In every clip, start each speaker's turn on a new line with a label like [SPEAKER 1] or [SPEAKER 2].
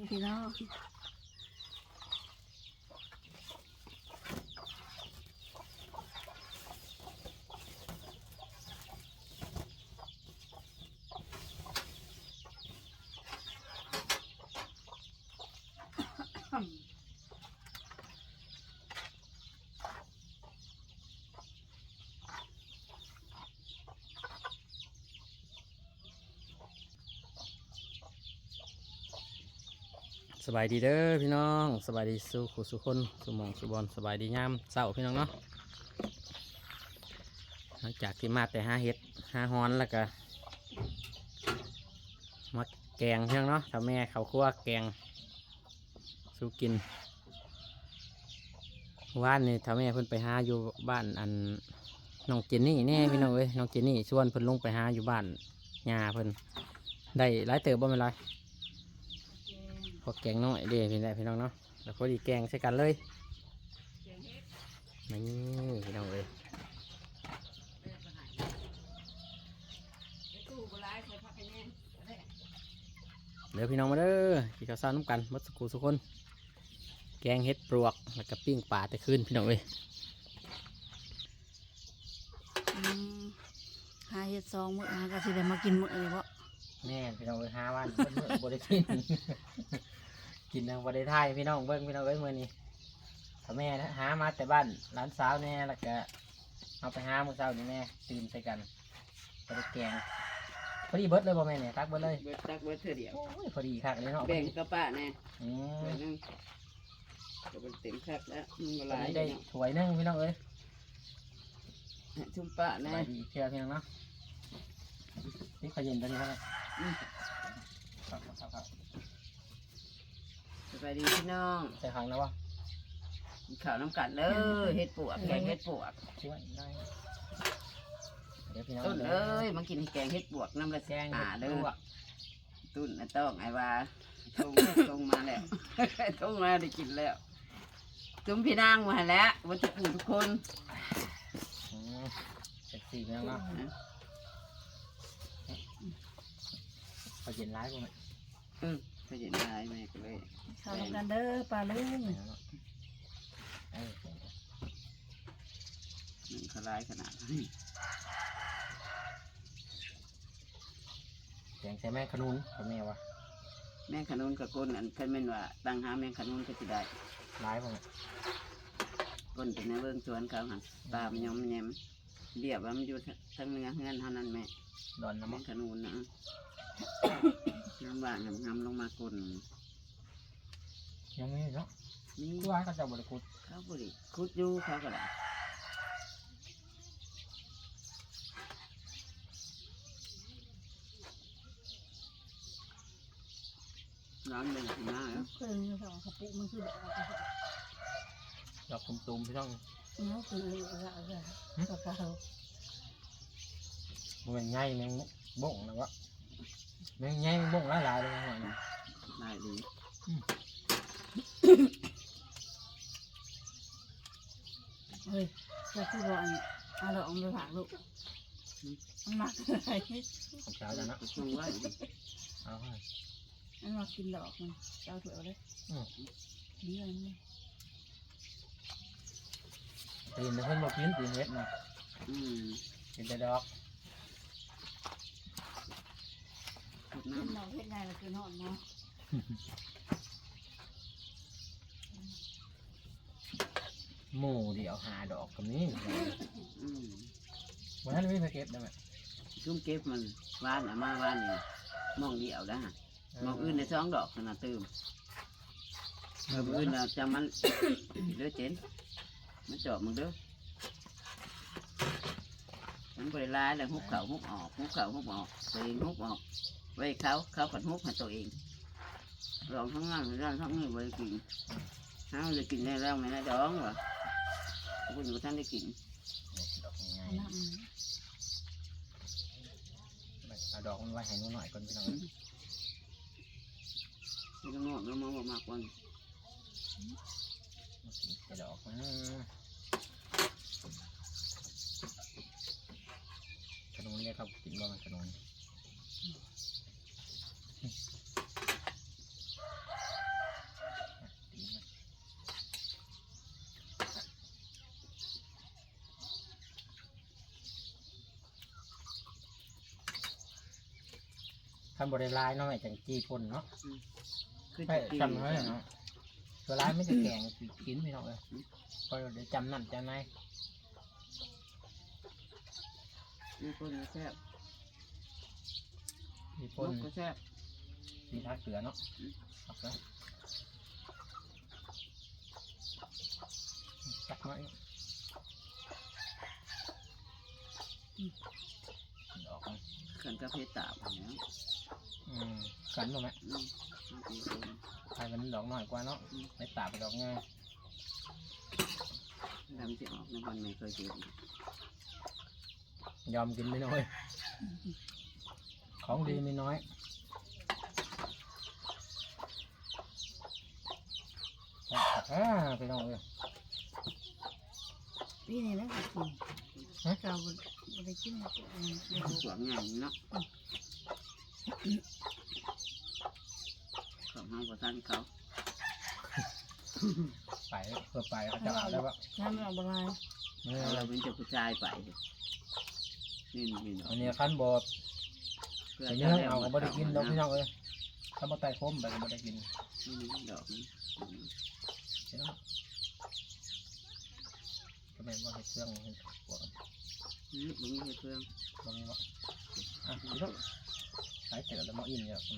[SPEAKER 1] พี่น้อง
[SPEAKER 2] สบายดีเด้อพี่น้องสบายดีสุขสุคนสุหมองสุบอลสบายดียามเช้าพี่น้องเนาะหลังจากที่มาแต่หาเห็ดหาฮอนแล้วก็มาแกงพี่น้องเนาะทำแม่เขาคั่วแกงสู้กินว่านนี่ทำแม่เพิ่นไปหาอยู่บ้านอันน้องเจนนี่แน่พี่น้องเอ้ยน้องเจนนี่ชวนเพิ่นลงไปหาอยู่บ้านยาเพิ่นได้หลายเติบบ่เป็นไรพอแกงน้อยเด้พี่น้องเนาะแล้วพอดีแกงใส่กันเลยนี่พี่น้องเอ้ยเดี๋ยวพี่น้องมาเด้อกินข้าวเช้าน้ำกันมัดสกูสุกคนแกงเห็ดปลวกแล้วก็ปิ้งปลาแต่คืนพี่น้องเอ้ย
[SPEAKER 1] หาเห็ดซองมื้อหาก็สิได้มากินมื้อนี้บ่
[SPEAKER 2] แม่พี่น้องเอ้ย5 วันเพิ่นมื้อบริกิน กินทางบริไทยพี่น้องเบิ้งพี่น้องเอ้ยมื้อนี้ถ้าแม่นะหามาแต่บ้านร้านสาวแน่แล้วก็เอาไปหามื้อเช้านี่แม่ตื่นใส่กันไปแกงพอดีเบิดเลยบ่แม่เนี่ยตักเบิดเลย
[SPEAKER 3] เบิดตักเบิดเท่าเดียว
[SPEAKER 2] โอ้ยพอดีคักเลยเนาะ
[SPEAKER 3] แบ่งกระป๋าแน่
[SPEAKER 2] อืม
[SPEAKER 3] เบิดนึงก็เป็นเต็มคักแล้วมึงก็
[SPEAKER 2] ต
[SPEAKER 3] ห
[SPEAKER 2] อน
[SPEAKER 3] ลาย
[SPEAKER 2] นี้
[SPEAKER 3] ได้
[SPEAKER 2] ได้ถ้วยหนึงพี่น้องเอ้ย
[SPEAKER 3] ชุ่มป้า
[SPEAKER 2] ส
[SPEAKER 3] แน่
[SPEAKER 2] บายดีเชื่อพี่น้องเนาะนี่ขอเย็นตัวนี้เท่าไหร่ครับ
[SPEAKER 3] สบายดีพี่น้อง
[SPEAKER 2] ใส่ขังแล้ววะ
[SPEAKER 3] กินข้าวน้ำกันเด้อเฮ็ดปวกแกงเฮ็ดปวก
[SPEAKER 2] ช่วยได้เดี๋ยวพี่น้อง
[SPEAKER 3] ต้นเอ้ยมากินแกงเฮ็ดปวกน้ำละ
[SPEAKER 2] แกง
[SPEAKER 3] หา
[SPEAKER 2] เด้
[SPEAKER 3] เด้
[SPEAKER 2] อ
[SPEAKER 3] อตุ้นน่ะต้องไอ้ว่าตรงมาแล้วตรงมาได้กินแล้วจุ้มพี่นางมาให้แล้ววันจะกูทุกคน
[SPEAKER 2] เสร็จสี่พี่น้องเนาะขอเย็นร้ายบ่ไหม
[SPEAKER 3] ไปเห็นได้แม่ก็เลย
[SPEAKER 1] ข้าวน้ำกันเด้อปลาลุง
[SPEAKER 3] มันขลายขนาดนี้
[SPEAKER 2] แกงใส่แม่ขนุนกับแม่วะ
[SPEAKER 3] แม่ขนุนกับก้นอันเคยแม่นว่าตั้งหาแม่ขนุนก็จะได้
[SPEAKER 2] ร้ายบ่ไหม
[SPEAKER 3] ก้นเป็นในเบื้องสวนเขาหันตามยอมแยมเรียบว่ามันอยู่ทั้งเนื้อเงินเท่านั้นแม่
[SPEAKER 2] ดอนน้ำ
[SPEAKER 3] แม่
[SPEAKER 2] มัน
[SPEAKER 3] ขนุนนะน้ำหวานงำลงมาก้น
[SPEAKER 2] ยังไม่เนาะ
[SPEAKER 3] นี่
[SPEAKER 2] คือว่าเขาจะบริกุด
[SPEAKER 3] เขาบริคุดอยู่เขาก็ได้ร้อนเป็นสีหน้าแล้ว
[SPEAKER 1] เพิ่นสองกระปุกมันคือแบบว่า
[SPEAKER 2] ดอกตุ่มๆพี่น้อง
[SPEAKER 1] เนาะคือเอาก็เขา
[SPEAKER 2] มันง่ายแมงบ่งนะวะแมงง่ายแมงบ่งหลายๆเลยนะหน่อยนะ
[SPEAKER 3] ได้ดี
[SPEAKER 1] เฮ้ยก็คือว่าเอาดอกไปฝากลูกมันมักอะไร
[SPEAKER 2] ของเช้าจ้ะเนาะ
[SPEAKER 3] สูงไว้
[SPEAKER 2] เอาให้
[SPEAKER 1] มันมักกินดอกมันเจ้าถั่วเลยนี่อะไรนี่
[SPEAKER 2] ตื่นแต่เพิ่นบอกกินตื่นเฮ็ดนะ
[SPEAKER 3] อืม
[SPEAKER 2] กินแต่ดอก
[SPEAKER 3] ขุด
[SPEAKER 1] เห็น
[SPEAKER 3] น้ำ
[SPEAKER 1] ดอกเห็นไงล่ะคือนอนเนาะ
[SPEAKER 2] หมูเดี๋ยวหาดอกกับนี้
[SPEAKER 3] อืม
[SPEAKER 2] วันนั้นไม่ไปเก็บได้ไหม
[SPEAKER 3] ชุ่มเก็บมันวานอ่ะมาวานนี่มองเดียวได้ฮะมองอื่นในสองดอกขนาดตื่มมองอื่นเราจะมัน เลือเจนมันเจาะมึงเด้อมันบริลายแล้วหุบเข่าหุบออกหุบเข่าหุบออกตัวเองหุบออกไว้เขาผัดหุบให้ตัวเองลองทั้งนั้นลองทั้งนี้บริกินเขาจะกินได้แล้วไม่ได้ดองวะคุณอยู่ท่านได้กิน
[SPEAKER 2] ดอกง่าย
[SPEAKER 1] น้ำ
[SPEAKER 2] เอาดอกมันไว้ให้หนูหน่อยก่อนพี่น้อง
[SPEAKER 3] ไม่ต้องงอกแล้วมองมากกว่า
[SPEAKER 2] แต่ดอกมันขนุนเนี่ยครับกินบ้างขนุน ขนมเปี๊ยะ
[SPEAKER 1] น้ำ
[SPEAKER 2] ขนม
[SPEAKER 1] น้ำ
[SPEAKER 2] เปี๊ยะ
[SPEAKER 1] น้ำ
[SPEAKER 2] ขนม
[SPEAKER 1] น้ำ
[SPEAKER 2] เปี๊ยะ
[SPEAKER 1] น้ำ
[SPEAKER 2] ทำบริลายเนาะแม่จังจีพ่นเนาะ
[SPEAKER 3] คือ
[SPEAKER 2] ไป
[SPEAKER 3] จะกิน
[SPEAKER 2] จำไว้เนาะตัวร้ายไม่จะแกงกินพี่น้องเลยพอเดี๋ยวจำนั่นจำไหน
[SPEAKER 3] มีคนแซ่บ
[SPEAKER 2] จี
[SPEAKER 3] ค
[SPEAKER 2] พ่น
[SPEAKER 3] นก็แซ่บ
[SPEAKER 2] จีทักเสือเนาะครับนะจักน้อยดอกมัน
[SPEAKER 3] ขันกาแฟตาบอย่างนี้
[SPEAKER 2] กันบ่แม่
[SPEAKER 3] มาตีคน
[SPEAKER 2] ใครมันดอกน้อยกว่าเนาะไม่ตาไปดอกง่าย
[SPEAKER 3] ดำจะออกในวันไม่เคยเจอย
[SPEAKER 2] อมกินไม่น้อย ของดีไม่น้อยไปน้องเลย
[SPEAKER 1] พี่นี่แหละก็กินเราบ่ได้กินมัน
[SPEAKER 3] สวมงานเนาะของห้องประทานเขา
[SPEAKER 2] ไปเพื่อไปเขาจะเอาได้ปะ
[SPEAKER 1] ถ้ามันออกบ่ลาย
[SPEAKER 3] เราเป็นเจ้าผู้ชายไปนี่นี่เนาะ
[SPEAKER 2] อันนี้ขั้นบดแต่เนื้อเอาก็ไม่ได้กินดอกพี่น้องเลยถ้ามาไต่คมไปก็ไม่ได้กิน
[SPEAKER 3] ดอกนี้
[SPEAKER 2] เห็นไหมก็เป็นว่าให้เครื่องให้ปวด
[SPEAKER 3] มึงให้เพื่อน
[SPEAKER 2] ตรงนี้วะอ่ะพี่น้องใช้เสร็จแล้วมาอิ่มเนี่ย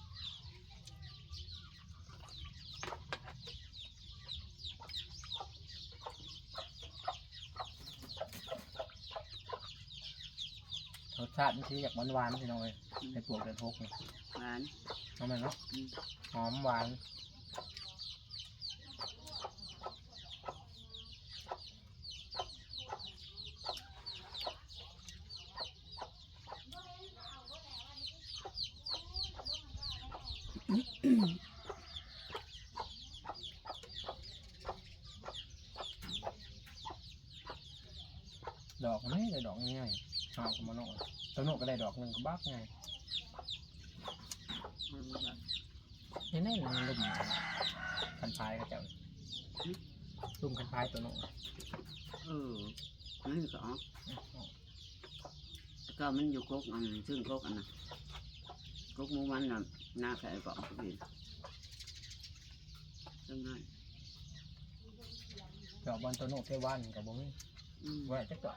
[SPEAKER 2] รสชาติมันคืออยากหวานๆพี่น้องเลยให้ปวดกระทบเนี่ย
[SPEAKER 3] หวาน
[SPEAKER 2] น้องมันเนาะหอมหวานดอกไม่ได้ดอกง่ายๆเอากับมันโน่ตัวโน่ก็ได้ดอกหนึ่งก็บักไงนี่แน่นอนลุ่มคันพายก็จะลุ่มคันพายตัวโน่
[SPEAKER 3] นี่ก็ก็มันอยู่กกอันซึ่งกกอันน่ะกกมูมันน่ะหน้าแขกก็ออกไปจังไง
[SPEAKER 2] ดอกบอลตัวโน่เทวันกับบุ้งว่าจะเกาะ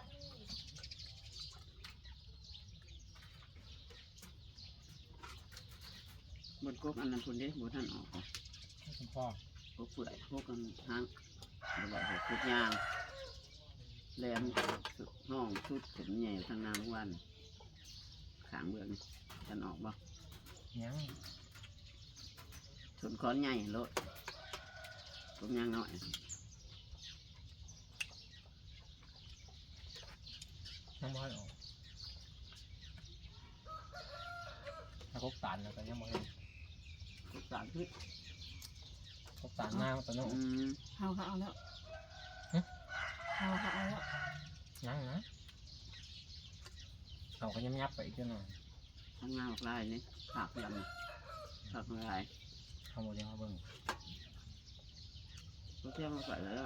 [SPEAKER 3] บนกกอันนั้นคนเดียวบนท่านออก
[SPEAKER 2] คุณพ่อก
[SPEAKER 3] กเปื่อยกกกันทางแบบว่ากกยางแหลมห้องชุดผมใหญ่ทางนางวันขางเบืองท่านออกบ่
[SPEAKER 2] ยัง
[SPEAKER 3] ชนค้อนใหญ่รถกกยางน้อย
[SPEAKER 2] ยังไม่ออกถ้าครบตานแล้วก็ยังไม่เห็น
[SPEAKER 3] กกสารพิษ
[SPEAKER 2] ครบตานหน้าตัวโน่
[SPEAKER 1] เฮาก็เอาแล้วเฮาก็เอาแล้ว
[SPEAKER 2] ยังนะเขาก็ยับไปอีกหน่อย
[SPEAKER 3] ทำงานออกลายนี่ผักยำผักลาย
[SPEAKER 2] เขาบอกยังมาเบิ่ง
[SPEAKER 3] ก็เที่ยวมาใส่แล้ว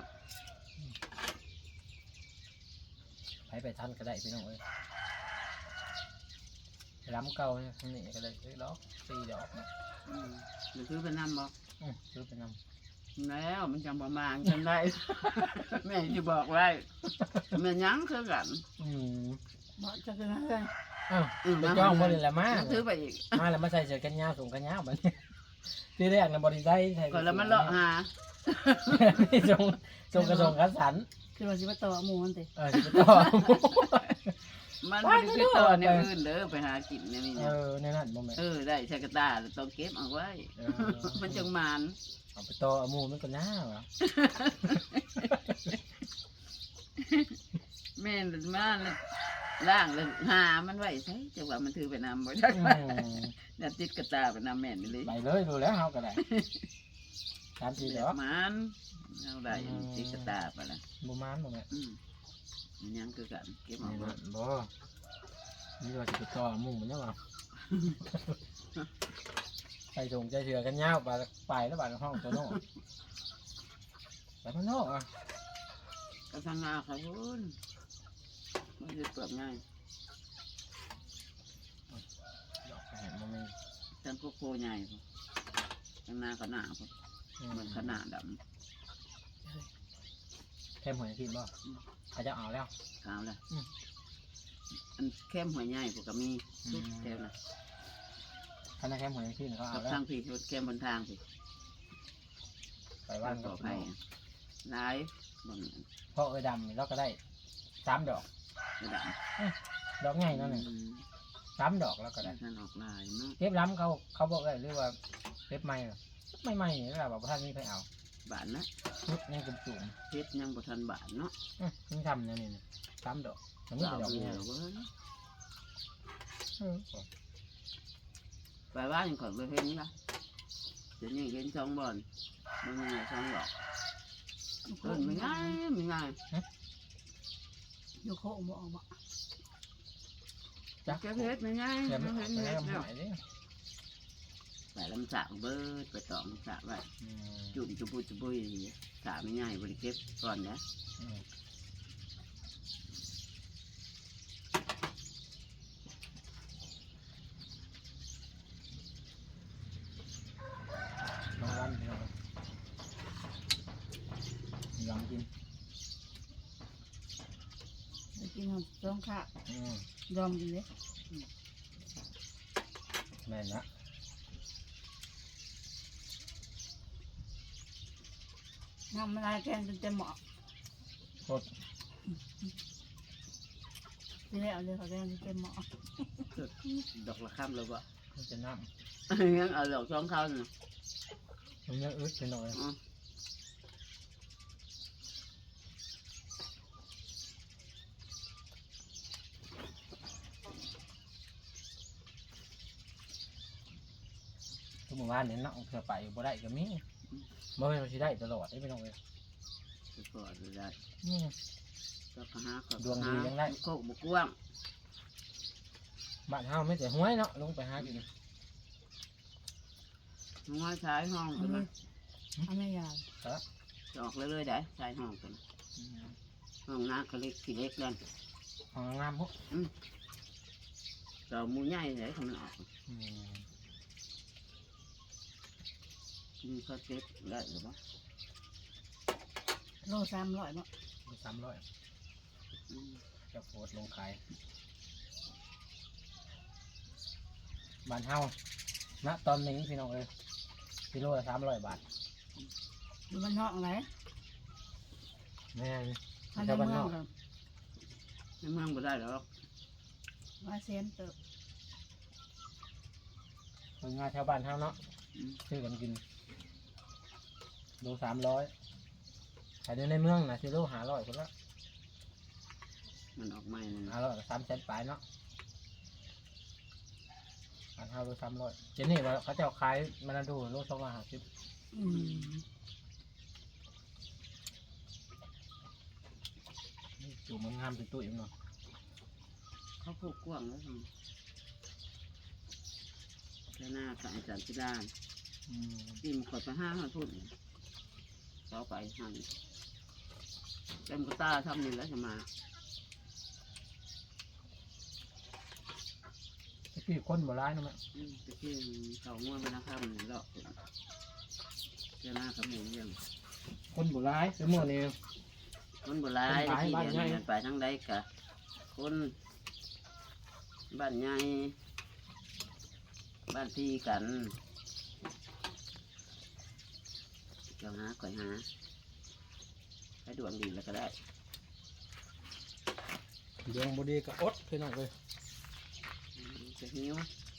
[SPEAKER 2] ไปทันก็ได้พี่น้องเอ้ยล้ำเก่าเนี่ยนี่ก็เลยดอก4 ดอกนะ
[SPEAKER 3] หรือซื้อไปน้ำบ่
[SPEAKER 2] ซื้อไปน
[SPEAKER 3] แล้วมันจำประมาณจำได้ แม่จะบอกไว้แม่ยั้งคือกัน
[SPEAKER 2] ำ
[SPEAKER 1] บ่จะเป็นอะไร
[SPEAKER 2] อ้าวไปจ้องบริละมา
[SPEAKER 3] ซื้อไปอีก
[SPEAKER 2] มาแล้วมาใส่เสื้อกันยาวสูงกันยาวแบบนี้ที่แรกนะบริไซใส่
[SPEAKER 3] ก่อนแล้วมันเลาะหา
[SPEAKER 2] ทรงกระทรงคัดสัน
[SPEAKER 1] คือว่าสิมาต่อหมู่มันติ
[SPEAKER 2] จะต่อ
[SPEAKER 3] มันไม่ได้คือต่อเนี่ยอื่นเด้อไปหากินเนี่ยนี่นะ
[SPEAKER 2] ในนั้นบ่แม่
[SPEAKER 3] ได้ใช้กระตาต้องเก็บเอาไว้ มันจังมัน
[SPEAKER 2] เอาไปต่อหมูมันก็น่าวะ
[SPEAKER 3] แม่นมาล่างเลยหามันไว้ใช่จังหวะมันถือไปนำบ่ได้เนี่ยติดกระตาไปนำแม่นเลย
[SPEAKER 2] ไปเลยดูแล้วเขาก็ได้3-4 ดอก
[SPEAKER 3] มันเอาได้ติดกระตาไปละ
[SPEAKER 2] บ่มานบ่แม่
[SPEAKER 3] มันยังคือกันเก็บ
[SPEAKER 2] นี่
[SPEAKER 3] เอาไว้
[SPEAKER 2] นั่นบ่นี่ว่าจะไปต่อหมูมันยังวะใส่ถุงใจเสือกันยาวไปแล้วบาดห้องตัวโน่ไปข้างนอกอ่ะ
[SPEAKER 3] กระทังงาค่ะคุณมันจะเปิดง่าย
[SPEAKER 2] ดอกแหนมันมี
[SPEAKER 3] ทั้งโคโค่ใหญ่ทั้งหน้าขนาดมันขนาดด
[SPEAKER 2] เข้มหัวกินบ่เขาจะเอาแล้ว
[SPEAKER 3] ำขาวเลยอันเข้มหัวใหญ่พวกก็มีชุดแถวน่ะ
[SPEAKER 2] ถ้าในเข้มหัวกินเขาเอา
[SPEAKER 3] กับ
[SPEAKER 2] แล้ว
[SPEAKER 3] ทางพี่ชุดเข้มบนทางพี่
[SPEAKER 2] ไปบ้าน
[SPEAKER 3] ต่
[SPEAKER 2] ก็
[SPEAKER 3] อไปร้ายบน
[SPEAKER 2] เพราะดำเราก็ได้3 ดอก
[SPEAKER 3] กระดาษ
[SPEAKER 2] ดอกใหญ่นั่นเอง3 ดอกแล้วก็ได้
[SPEAKER 3] ท่านออกลายเนาะ
[SPEAKER 2] เก็บล้ำเขาบอกได้หรือว่าเก็บไม่ไม่นี่แหละบอกว่าท่านนี่ไปเอา
[SPEAKER 3] บาทนะ
[SPEAKER 2] ชุดนี่จุ่ม
[SPEAKER 3] เพชรยังบ่ทันบาทเนาะ
[SPEAKER 2] นี่ทำเนี่ยนี่3 ดอกมันนี่
[SPEAKER 3] สาว
[SPEAKER 2] เป็นดอก
[SPEAKER 3] เดี
[SPEAKER 2] ใหญ่
[SPEAKER 3] ยวเว้ยไปบ้านก่อนไปเห็นละเดี๋ยวนี้เห็นช่องบอลมันมีช่องหลอกไม่ง่ายไม่ง่าย
[SPEAKER 1] อยู่โคงบ่ออกบ่
[SPEAKER 2] จัก
[SPEAKER 3] แกเพชรไม่ง่าย
[SPEAKER 2] เดี๋ยว
[SPEAKER 3] ไม่
[SPEAKER 2] มัน
[SPEAKER 3] เห็น
[SPEAKER 2] ไป
[SPEAKER 3] เห็ด
[SPEAKER 2] ทำ
[SPEAKER 3] แล้ว
[SPEAKER 2] หายดิ
[SPEAKER 3] ไปลำสากเบิดไปตองสากไว้จุ่มจุบุยจุบุยสากไม่ง่ายบริเก็บก่อนนะ
[SPEAKER 2] บางวันยอมกิน
[SPEAKER 1] ไปกินของจ้องค่ะยอมกินเลย
[SPEAKER 2] แม่นนะ
[SPEAKER 1] น้ำมันลายแกงจนเต็มหม้อ
[SPEAKER 2] โคตร
[SPEAKER 1] ทีแรกเอาเลยเขาแกงจนเต็มหม้อ
[SPEAKER 3] ดอกละค่ำเลยบ่
[SPEAKER 2] มันจะน้
[SPEAKER 3] ยังเอาดอกช่องเขาน่ะ
[SPEAKER 2] ำมันยังอึดไปหน่อยทุกหมู่บ้านเนี่ยเนาะเผื่อไปบ่ได้ก็มีบ่แม่นว่าสิได้ตลอดได้ไม่ต้องเลย
[SPEAKER 3] ไปก่อนเลยได้
[SPEAKER 2] นี่
[SPEAKER 3] ก็หาก็
[SPEAKER 2] ดวงดียังได้
[SPEAKER 3] โคกบุกว้าง
[SPEAKER 2] บ้านเฮาไม่แต่ห้วยเนาะลงไปหากิน
[SPEAKER 3] ห้องใช้ห้อง
[SPEAKER 1] เอา
[SPEAKER 3] กัน
[SPEAKER 1] เล
[SPEAKER 3] นะ
[SPEAKER 1] ยเอาไม่ยาว
[SPEAKER 3] ออกเลยได้ใช้ห้องกันห้องน้ำก็เล็กขี้เล็กแล้ว
[SPEAKER 2] ของงามพวก
[SPEAKER 3] เรามูใหญ่เลยเขามันออกมีข้าวเซ็ตได้หรือเปล่า
[SPEAKER 1] โล300บ่
[SPEAKER 2] 300จะโพสต์ลงขายบ้านเฮาณตอนนี้พี่น้องเอ้ยกิโลละ300 บาท
[SPEAKER 1] อยู่บ้านนอกอะไร
[SPEAKER 2] แม่น
[SPEAKER 1] อัน
[SPEAKER 2] ชาว
[SPEAKER 1] ใน
[SPEAKER 2] บ้าน
[SPEAKER 1] เมื
[SPEAKER 2] น
[SPEAKER 1] อง
[SPEAKER 2] อก
[SPEAKER 1] กับ
[SPEAKER 3] ในเมืองบ่ได้หรอก
[SPEAKER 1] ว่าเซนเติบ
[SPEAKER 2] คนงานชาวบ้านเฮาเนาะซื้อกันกินโล300ขายในเมืองนะซื้อโล500คนละ
[SPEAKER 3] มันออกใหม่เลยนะ
[SPEAKER 2] 500 300,000ปลายเนาะบ้านเฮาโล300เจนี่ว่าเขาจะเอาขายมาดูโล250
[SPEAKER 1] อืม
[SPEAKER 2] อยู่มันงามเป็นตุ้ยเนาะ
[SPEAKER 3] เขาพูดกว้างแล้วแล้วหน้ากับอาจารย์พิดาจิ้มขดไป5 ทุ่นต่อไปหั่นเต็มกระตาทำนี่แล้วจะมา
[SPEAKER 2] พี่คนโบราณเนาะแม่
[SPEAKER 3] ตะกี้เขาง่วงไปนะครับหนึ่งรอบเจ้าหน้าขมิ้นยัง
[SPEAKER 2] คนโบราณเดี๋ยวมื้อนี้
[SPEAKER 3] คนโบราณที่เดินไปทั้งใดกะคนบ้านใหญ่บ้านที่กันเจ้าหาก่อยหาให้ดวงดีแล้วก็ได้
[SPEAKER 2] ดวงบ่ดีก็อดพี่น้องเอ้ย
[SPEAKER 3] จะหิว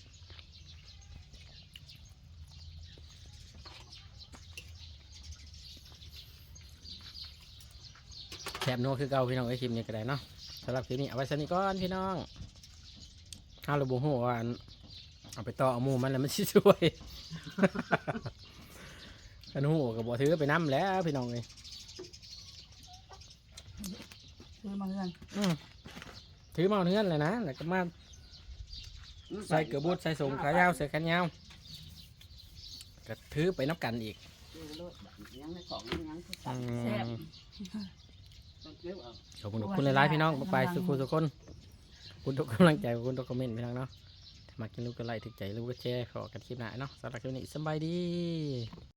[SPEAKER 2] แถบโน้คือเก่าพี่น้องไอ้คลิปนี้ก็ได้เนาะสำหรับคลิปนี้เอาไว้สนิทก่อนพี่น้องถ้าเราบ่ฮู้ว่าเอาไปต่อเอาหมู่มันแล้วมันสิช่วย กันฮู้ก็บ่ถือไปนำแล้วพี่น้องเอ้ย
[SPEAKER 1] คือมาเงิน
[SPEAKER 2] ถือมาเอาเนื้อเลยนะแล้วก็มาใส่เกลือบูดใส่สงขายาวใส่แขนยาวก็ถือไปนับกันอีก
[SPEAKER 3] ยังไม่ของยังคือ
[SPEAKER 2] อื
[SPEAKER 1] แซ่บ
[SPEAKER 2] ม
[SPEAKER 3] ต้องเก็บเอา
[SPEAKER 2] ขอบคุณทุกคนหลายๆพี่น้องไปสุขุทุกคนขอบคุณทุกกำลังใจขอบคุณทุกคอมเมนต์พี่น้องเนาะมากินลูกก็ไล่ถึกใจลูกก็แชร์ขอกันคลิปหน้าเนาะสำหรับคลิปนี้สบายดี